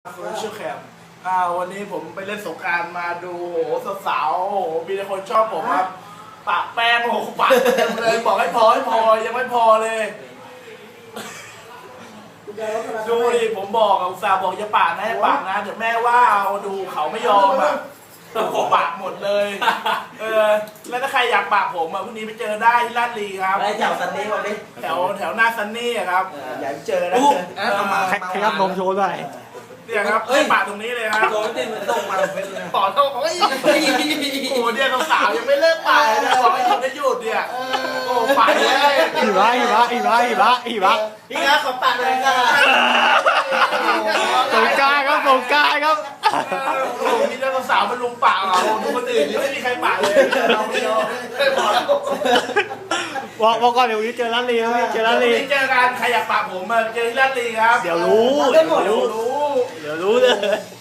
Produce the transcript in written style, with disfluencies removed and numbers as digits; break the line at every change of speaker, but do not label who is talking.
โซเชียลแคมวันนี้ผมไปเล่นสงกรานต์มาดูโอ้โหสาวๆโอ้โหมีแต่คนชอบผมครับปะแป้งโอ้โหปะเต็มเลยบอกให้พอยังไม่พอเลยดูดิผมบอกกับอุตส่าห์บอกอย่าปะนะอย่าปะนะเดี๋ยวแม่ว่าเอาดูเขาไม่ยอมอ่ะผมปะหมดเลยแล้วถ้าใครอยากปะผมพรุ่งนี้ไปเจอได้ที่ลาดลีครับ
ไปแถวซันนี่วันนี้
แถวหน้าซันนี่อะครับอยากเจอนะ
ขยับนมโชว์หน่อย
เนี่ยครับปะตรงนี้เลยครับ
โดนติดมันส่งมาเป็นเลย
ต่อเท่าโอ้ยโอ้โหเนี่ยสาวๆยังไม่เลิกปะเลยนะบอกให้หยุดได้หยุดเนี่ยโอ้ปะเลย
อีบะ
พี่ครับขอปากเลยครับ
สงกรานต์ครับสงกรานต์ครับ
โอ้โหมีแต่สาวๆมันลุมปะเราดูคนอื่นนี่ไม่มีใครปะเลยเราไม่ยอมไม่พอแล้ว
บอกก่อนเดี๋ยววันนี้เจอร้านลีครับพี่เจอร้านลี
เจอกันใครอยากปะผมมาเจอที่ลาดลีครับ
เดี๋ยวรู้
เดี๋ยวรู้
เดี๋ยวรู้เลย